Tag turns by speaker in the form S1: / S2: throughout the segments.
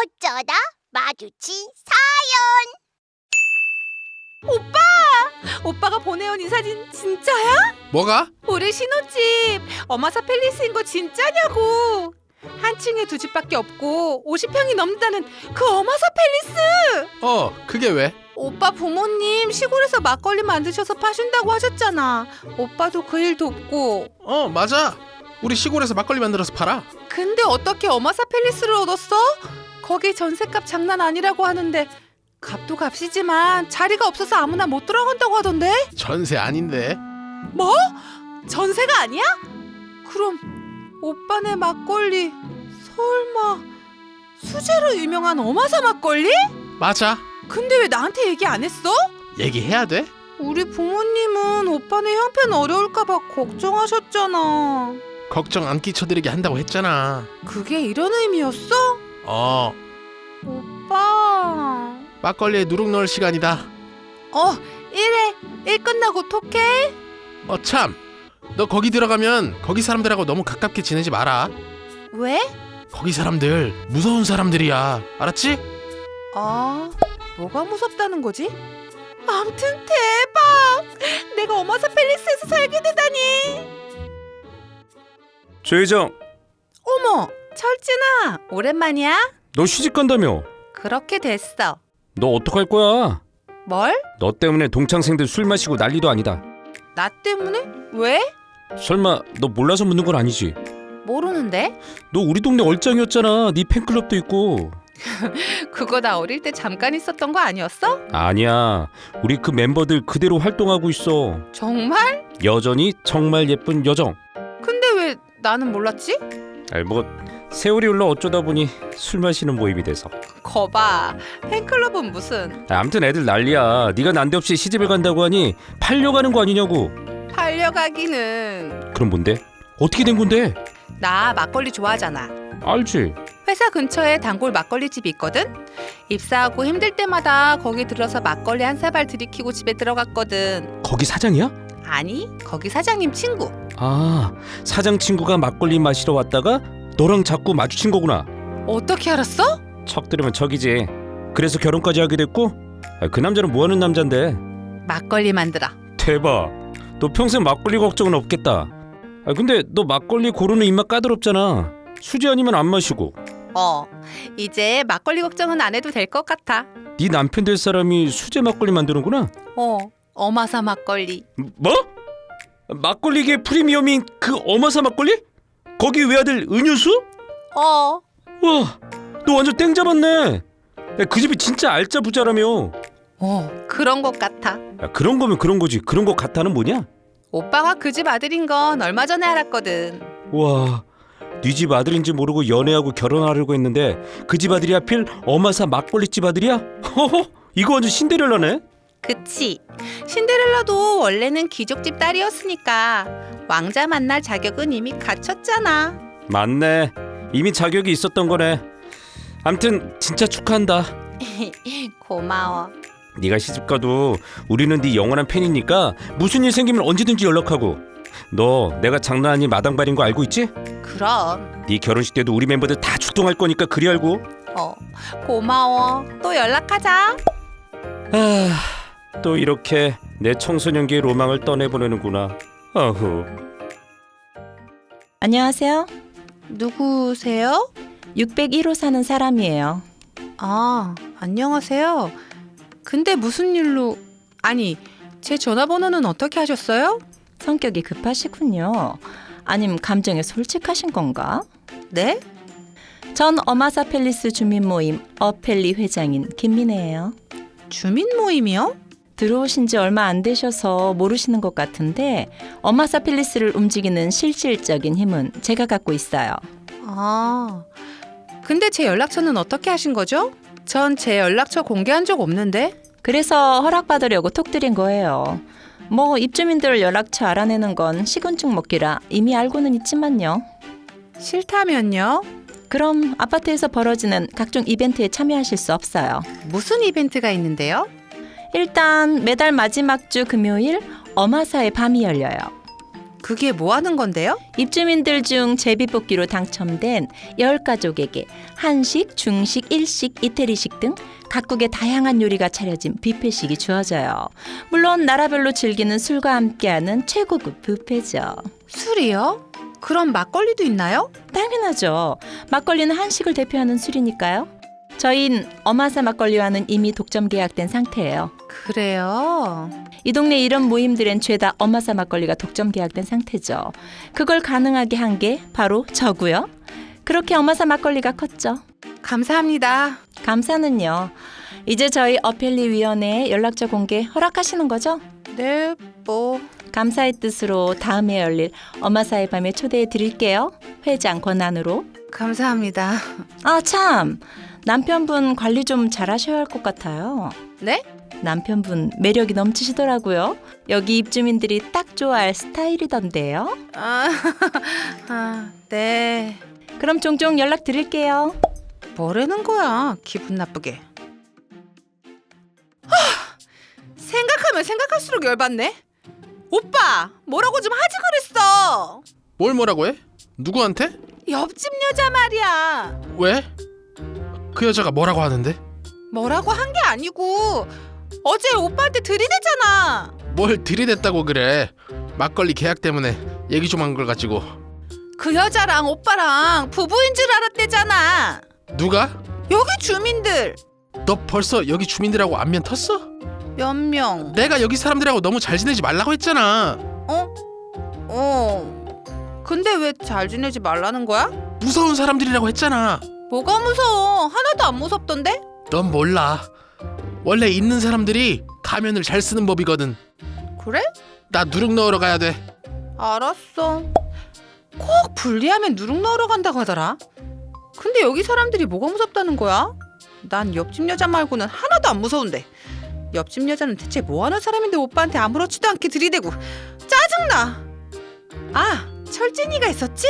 S1: 어쩌다 마주친
S2: 오빠가 보내온 이 사진 진짜야?
S3: 뭐가?
S2: 우리 신혼집 어마사 팰리스인 거 진짜냐고. 한 층에 두 집밖에 없고 50평이 넘는다는 그 어마사 팰리스.
S3: 그게 왜?
S2: 오빠 부모님 시골에서 막걸리 만드셔서 파신다고 하셨잖아. 오빠도 그 일 돕고.
S3: 맞아. 우리 시골에서 막걸리 만들어서 팔아.
S2: 근데 어떻게 어마사 팰리스를 얻었어? 거기 전셋값 장난 아니라고 하는데. 값도 값이지만 자리가 없어서 아무나 못 들어간다고 하던데?
S3: 전세 아닌데.
S2: 뭐? 전세가 아니야? 그럼 오빠네 막걸리 설마 수제로 유명한 어마사 막걸리?
S3: 맞아.
S2: 근데 왜 나한테 얘기 안 했어?
S3: 얘기해야 돼?
S2: 우리 부모님은 오빠네 형편 어려울까 봐 걱정하셨잖아.
S3: 걱정 안 끼쳐드리게 한다고 했잖아.
S2: 그게 이런 의미였어? 오빠.
S3: 막걸리에 누룩 넣을 시간이다.
S2: 이래. 일 끝나고 톡해.
S3: 참. 너 거기 들어가면 거기 사람들하고 너무 가깝게 지내지 마라.
S2: 왜?
S3: 거기 사람들 무서운 사람들이야. 알았지?
S2: 뭐가 무섭다는 거지? 암튼 대박! 내가 어마사 팰리스에서 살게 되다니!
S4: 조혜정,
S2: 어머! 철진아! 오랜만이야?
S4: 너 시집 간다며?
S2: 그렇게 됐어.
S4: 너 어떡할 거야?
S2: 뭘?
S4: 너 때문에 동창생들 술 마시고 난리도 아니다.
S2: 나 때문에? 왜?
S4: 설마 너 몰라서 묻는 건 아니지?
S2: 모르는데?
S4: 너 우리 동네 얼짱이었잖아. 네 팬클럽도 있고.
S2: 그거 나 어릴 때 잠깐 있었던 거 아니었어?
S4: 아니야. 우리 그 멤버들 그대로 활동하고 있어.
S2: 정말?
S4: 여전히 정말 예쁜 여정.
S2: 근데 왜 나는 몰랐지?
S4: 뭐 세월이 흘러 어쩌다 보니 술 마시는 모임이 돼서.
S2: 거봐. 팬클럽은 무슨
S4: 아무튼 애들 난리야. 네가 난데없이 시집을 간다고 하니 팔려가는 거 아니냐고.
S2: 팔려가기는.
S4: 그럼 뭔데? 어떻게 된 건데?
S2: 나 막걸리 좋아하잖아.
S4: 알지.
S2: 회사 근처에 단골 막걸리집이 있거든? 입사하고 힘들 때마다 거기 들어서 막걸리 한 사발 들이키고 집에 들어갔거든.
S4: 거기 사장이야?
S2: 아니, 거기 사장님 친구.
S4: 사장 친구가 막걸리 마시러 왔다가 너랑 자꾸 마주친 거구나.
S2: 어떻게 알았어?
S4: 척 들으면 척이지. 그래서 결혼까지 하게 됐고. 그 남자는 뭐하는 남잔데?
S2: 막걸리 만들어.
S4: 대박. 너 평생 막걸리 걱정은 없겠다. 근데 너 막걸리 고르는 입맛 까다롭잖아. 수제 아니면 안 마시고.
S2: 이제 막걸리 걱정은 안 해도 될 것 같아.
S4: 네 남편 될 사람이 수제 막걸리 만드는구나.
S2: 어마사 막걸리.
S4: 뭐? 막걸리계 프리미엄인 그 어마사 막걸리? 거기 외아들 은유수? 와, 너 완전 땡 잡았네. 그 집이 진짜 알짜 부자라며.
S2: 그런 것 같아.
S4: 그런 거면 그런 거지. 그런 거 같아는 뭐냐?
S2: 오빠가 그 집 아들인 건 얼마 전에 알았거든.
S4: 와, 네 집 아들인지 모르고 연애하고 결혼하려고 했는데 그 집 아들이 하필 어마사 막걸리집 아들이야? 허허, 이거 완전 신데렐라네.
S2: 그치. 신데렐라도 원래는 귀족집 딸이었으니까 왕자 만날 자격은 이미 갖췄잖아.
S4: 맞네. 이미 자격이 있었던 거네. 암튼 진짜 축하한다.
S2: 고마워.
S4: 네가 시집가도 우리는 네 영원한 팬이니까 무슨 일 생기면 언제든지 연락하고. 너 내가 장난 아닌 마당발인 거 알고 있지?
S2: 그럼.
S4: 네 결혼식 때도 우리 멤버들 다 출동할 거니까 그리 알고.
S2: 고마워. 또 연락하자.
S4: 또 이렇게 내 청소년기의 로망을 떠내보내는구나. 아후.
S5: 안녕하세요.
S2: 누구세요?
S5: 601호 사는 사람이에요.
S2: 안녕하세요. 근데 무슨 일로... 아니, 제 전화번호는 어떻게 하셨어요?
S5: 성격이 급하시군요. 아님 감정에 솔직하신 건가?
S2: 네?
S5: 전 어마사 팰리스 주민 모임 어펠리 회장인 김민혜예요.
S2: 주민 모임이요?
S5: 들어오신 지 얼마 안 되셔서 모르시는 것 같은데 어마사 팰리스를 움직이는 실질적인 힘은 제가 갖고 있어요.
S2: 근데 제 연락처는 어떻게 하신 거죠? 전 제 연락처 공개한 적 없는데.
S5: 그래서 허락받으려고 톡 드린 거예요. 뭐 입주민들 연락처 알아내는 건 시군증 먹기라 이미 알고는 있지만요.
S2: 싫다면요?
S5: 그럼 아파트에서 벌어지는 각종 이벤트에 참여하실 수 없어요.
S2: 무슨 이벤트가 있는데요?
S5: 일단 매달 마지막 주 금요일 어마사의 밤이 열려요.
S2: 그게 뭐 하는 건데요?
S5: 입주민들 중 제비뽑기로 당첨된 10가족에게 한식, 중식, 일식, 이태리식 등 각국의 다양한 요리가 차려진 뷔페식이 주어져요. 물론 나라별로 즐기는 술과 함께하는 최고급 뷔페죠.
S2: 술이요? 그럼 막걸리도 있나요?
S5: 당연하죠. 막걸리는 한식을 대표하는 술이니까요. 저희는 어마사 막걸리와는 이미 독점 계약된 상태예요.
S2: 그래요?
S5: 이 동네 이런 모임들엔 죄다 어마사 막걸리가 독점 계약된 상태죠. 그걸 가능하게 한 게 바로 저고요. 그렇게 어마사 막걸리가 컸죠.
S2: 감사합니다.
S5: 감사는요. 이제 저희 어펠리 위원회에 연락처 공개 허락하시는 거죠?
S2: 네, 뭐
S5: 감사의 뜻으로 다음에 열릴 어마사의 밤에 초대해 드릴게요. 회장 권한으로.
S2: 감사합니다.
S5: 아 참, 남편분 관리 좀 잘하셔야 할 것 같아요.
S2: 네?
S5: 남편분 매력이 넘치시더라고요. 여기 입주민들이 딱 좋아할 스타일이던데요.
S2: 네.
S5: 그럼 종종 연락 드릴게요.
S2: 뭐라는 거야? 기분 나쁘게. 생각하면 생각할수록 열받네. 오빠, 뭐라고 좀 하지 그랬어.
S3: 뭘 뭐라고 해? 누구한테?
S2: 옆집 여자 말이야.
S3: 왜? 그 여자가 뭐라고 하는데?
S2: 뭐라고 한 게 아니고 어제 오빠한테 들이대잖아.
S3: 뭘 들이댔다고 그래? 막걸리 계약 때문에 얘기 좀 한 걸 가지고.
S2: 그 여자랑 오빠랑 부부인 줄 알았대잖아.
S3: 누가?
S2: 여기 주민들
S3: 너 벌써 여기 주민들하고 안면 텄어?
S2: 몇 명.
S3: 내가 여기 사람들하고 너무 잘 지내지 말라고 했잖아.
S2: 근데 왜 잘 지내지 말라는 거야?
S3: 무서운 사람들이라고 했잖아.
S2: 뭐가 무서워? 하나도 안 무섭던데?
S3: 넌 몰라. 원래 있는 사람들이 가면을 잘 쓰는 법이거든.
S2: 그래?
S3: 나 누룩 넣으러 가야 돼.
S2: 알았어. 꼭 분리하면 누룩 넣으러 간다고 하더라. 근데 여기 사람들이 뭐가 무섭다는 거야? 난 옆집 여자 말고는 하나도 안 무서운데. 옆집 여자는 대체 뭐 하는 사람인데 오빠한테 아무렇지도 않게 들이대고 짜증나. 아, 철진이가 있었지?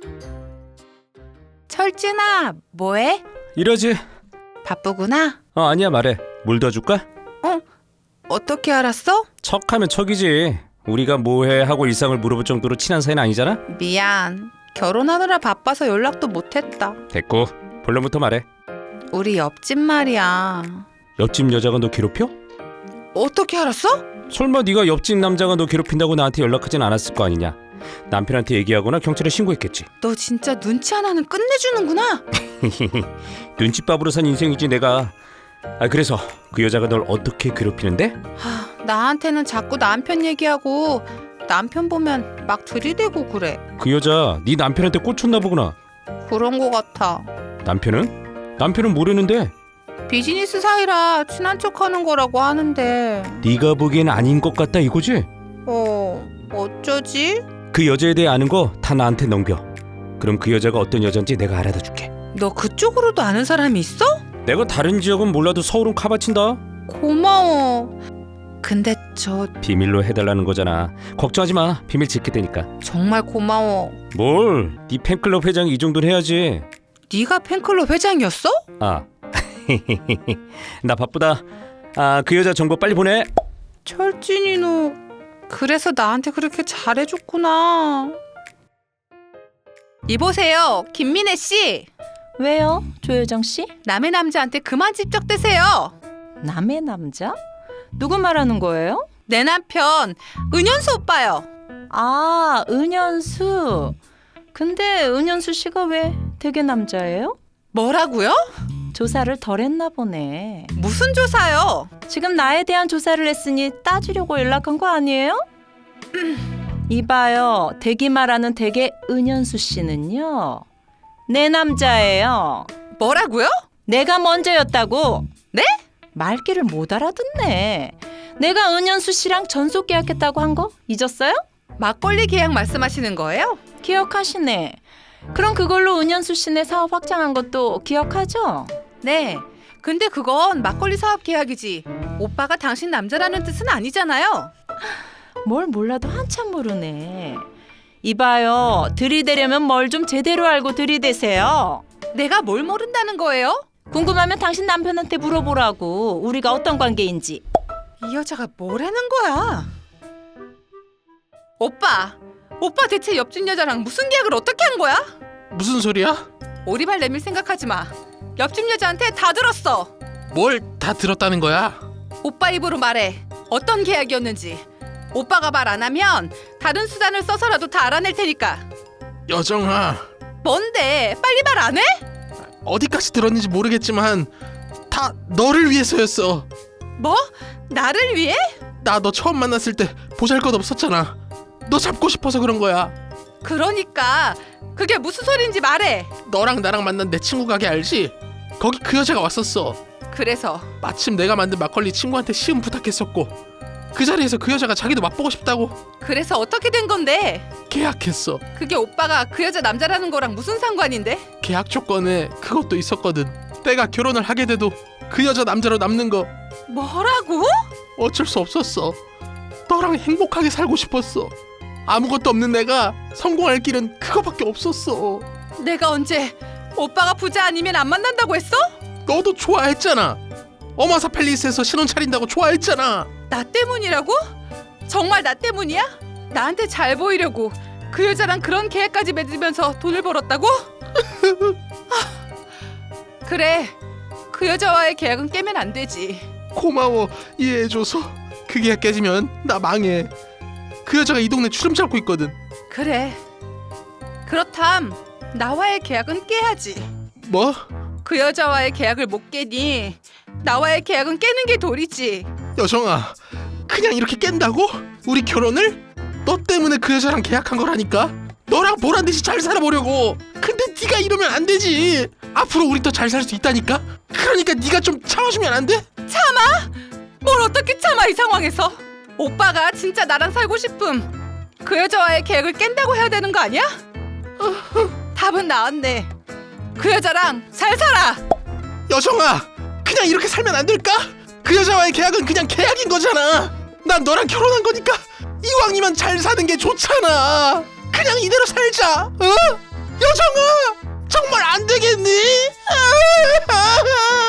S2: 철진아, 뭐해?
S4: 이러지.
S2: 바쁘구나.
S4: 아니야, 말해. 물 더 줄까?
S2: 어떻게 알았어?
S4: 척하면 척이지. 우리가 뭐해 하고 일상을 물어볼 정도로 친한 사이는 아니잖아.
S2: 미안. 결혼하느라 바빠서 연락도 못했다.
S4: 됐고, 본론부터 말해.
S2: 우리 옆집 말이야.
S4: 옆집 여자가 너 괴롭혀?
S2: 어떻게 알았어?
S4: 설마 네가 옆집 남자가 너 괴롭힌다고 나한테 연락하진 않았을 거 아니냐. 남편한테 얘기하거나 경찰에 신고했겠지.
S2: 너 진짜 눈치 하나는 끝내주는구나.
S4: 눈칫밥으로 산 인생이지 내가. 그래서 그 여자가 널 어떻게 괴롭히는데?
S2: 나한테는 자꾸 남편 얘기하고 남편 보면 막 들이대고 그래.
S4: 그 여자 네 남편한테 꽂혔나 보구나.
S2: 그런 거 같아.
S4: 남편은? 남편은 모르는데.
S2: 비즈니스 사이라 친한 척하는 거라고 하는데.
S4: 네가 보기엔 아닌 것 같다 이거지?
S2: 어쩌지?
S4: 그 여자에 대해 아는 거 다 나한테 넘겨. 그럼 그 여자가 어떤 여잔지 내가 알아다 줄게.
S2: 너 그쪽으로도 아는 사람이 있어?
S4: 내가 다른 지역은 몰라도 서울은 카바친다.
S2: 고마워. 근데 저
S4: 비밀로 해달라는 거잖아. 걱정하지 마. 비밀 지킬 테니까.
S2: 정말 고마워.
S4: 뭘? 네 팬클럽 회장이 이 정도는 해야지.
S2: 네가 팬클럽 회장이었어?
S4: 나 바쁘다. 그 여자 정보 빨리 보내.
S2: 철진이 너 그래서 나한테 그렇게 잘해줬구나. 이보세요, 김민혜 씨.
S5: 왜요, 조효정 씨?
S2: 남의 남자한테 그만 집적대세요.
S5: 남의 남자? 누구 말하는 거예요?
S2: 내 남편 은현수 오빠요.
S5: 아, 은현수. 근데 은현수 씨가 왜 되게 남자예요?
S2: 뭐라고요?
S5: 조사를 덜 했나 보네.
S2: 무슨 조사요?
S5: 지금 나에 대한 조사를 했으니 따지려고 연락한 거 아니에요? 이봐요, 대기 말하는 대개 은현수 씨는요, 내 남자예요.
S2: 뭐라고요?
S5: 내가 먼저였다고.
S2: 네?
S5: 말귀를 못 알아듣네. 내가 은현수 씨랑 전속 계약했다고 한 거 잊었어요?
S2: 막걸리 계약 말씀하시는 거예요?
S5: 기억하시네. 그럼 그걸로 은현수 씨네 사업 확장한 것도 기억하죠?
S2: 네. 근데 그건 막걸리 사업 계약이지. 오빠가 당신 남자라는 뜻은 아니잖아요.
S5: 뭘 몰라도 한참 모르네. 이봐요, 들이대려면 뭘 좀 제대로 알고 들이대세요.
S2: 내가 뭘 모른다는 거예요?
S5: 궁금하면 당신 남편한테 물어보라고. 우리가 어떤 관계인지.
S2: 이 여자가 뭐라는 거야? 오빠, 오빠 대체 옆집 여자랑 무슨 계약을 어떻게 한 거야?
S3: 무슨 소리야?
S2: 오리발 내밀 생각하지 마. 옆집 여자한테 다 들었어.
S3: 뭘 다 들었다는 거야?
S2: 오빠 입으로 말해. 어떤 계약이었는지. 오빠가 말 안 하면 다른 수단을 써서라도 다 알아낼 테니까.
S3: 여정아,
S2: 뭔데? 빨리 말 안 해?
S3: 어디까지 들었는지 모르겠지만 다 너를 위해서였어.
S2: 뭐? 나를 위해?
S3: 나 너 처음 만났을 때 보잘것없었잖아. 너 잡고 싶어서 그런 거야.
S2: 그러니까 그게 무슨 소린지 말해.
S3: 너랑 나랑 만난 내 친구 가게 알지? 거기 그 여자가 왔었어.
S2: 그래서
S3: 마침 내가 만든 막걸리 친구한테 시음 부탁했었고 그 자리에서 그 여자가 자기도 맛보고 싶다고
S2: 그래서 어떻게 된 건데?
S3: 계약했어.
S2: 그게 오빠가 그 여자 남자라는 거랑 무슨 상관인데?
S3: 계약 조건에 그것도 있었거든. 내가 결혼을 하게 돼도 그 여자 남자로 남는 거
S2: 뭐라고?
S3: 어쩔 수 없었어. 너랑 행복하게 살고 싶었어. 아무것도 없는 내가 성공할 길은 그거밖에 없었어.
S2: 내가 언제 오빠가 부자 아니면 안 만난다고 했어?
S3: 너도 좋아했잖아. 어마사 팰리스에서 신혼 차린다고 좋아했잖아.
S2: 나 때문이라고? 정말 나 때문이야? 나한테 잘 보이려고 그 여자랑 그런 계획까지 맺으면서 돈을 벌었다고? 그래, 그 여자와의 계약은 깨면 안 되지.
S3: 고마워, 이해해줘서. 그 계약 깨지면 나 망해. 그 여자가 이 동네 주름 잡고 있거든.
S2: 그래, 그렇담 나와의 계약은 깨야지.
S3: 뭐?
S2: 그 여자와의 계약을 못 깨니 나와의 계약은 깨는 게 도리지.
S3: 여정아, 그냥 이렇게 깬다고? 우리 결혼을? 너 때문에 그 여자랑 계약한 거라니까. 너랑 보란듯이 잘 살아보려고. 근데 네가 이러면 안 되지. 앞으로 우리 더 잘 살 수 있다니까. 그러니까 네가 좀 참아주면 안 돼?
S2: 참아? 뭘 어떻게 참아 이 상황에서? 오빠가 진짜 나랑 살고 싶음 그 여자와의 계약을 깬다고 해야 되는 거 아니야? 답은 나왔네. 그 여자랑 잘 살아.
S3: 여정아, 그냥 이렇게 살면 안 될까? 그 여자와의 계약은 그냥 계약인 거잖아. 난 너랑 결혼한 거니까 이왕이면 잘 사는 게 좋잖아. 그냥 이대로 살자. 어? 여정아, 정말 안 되겠니?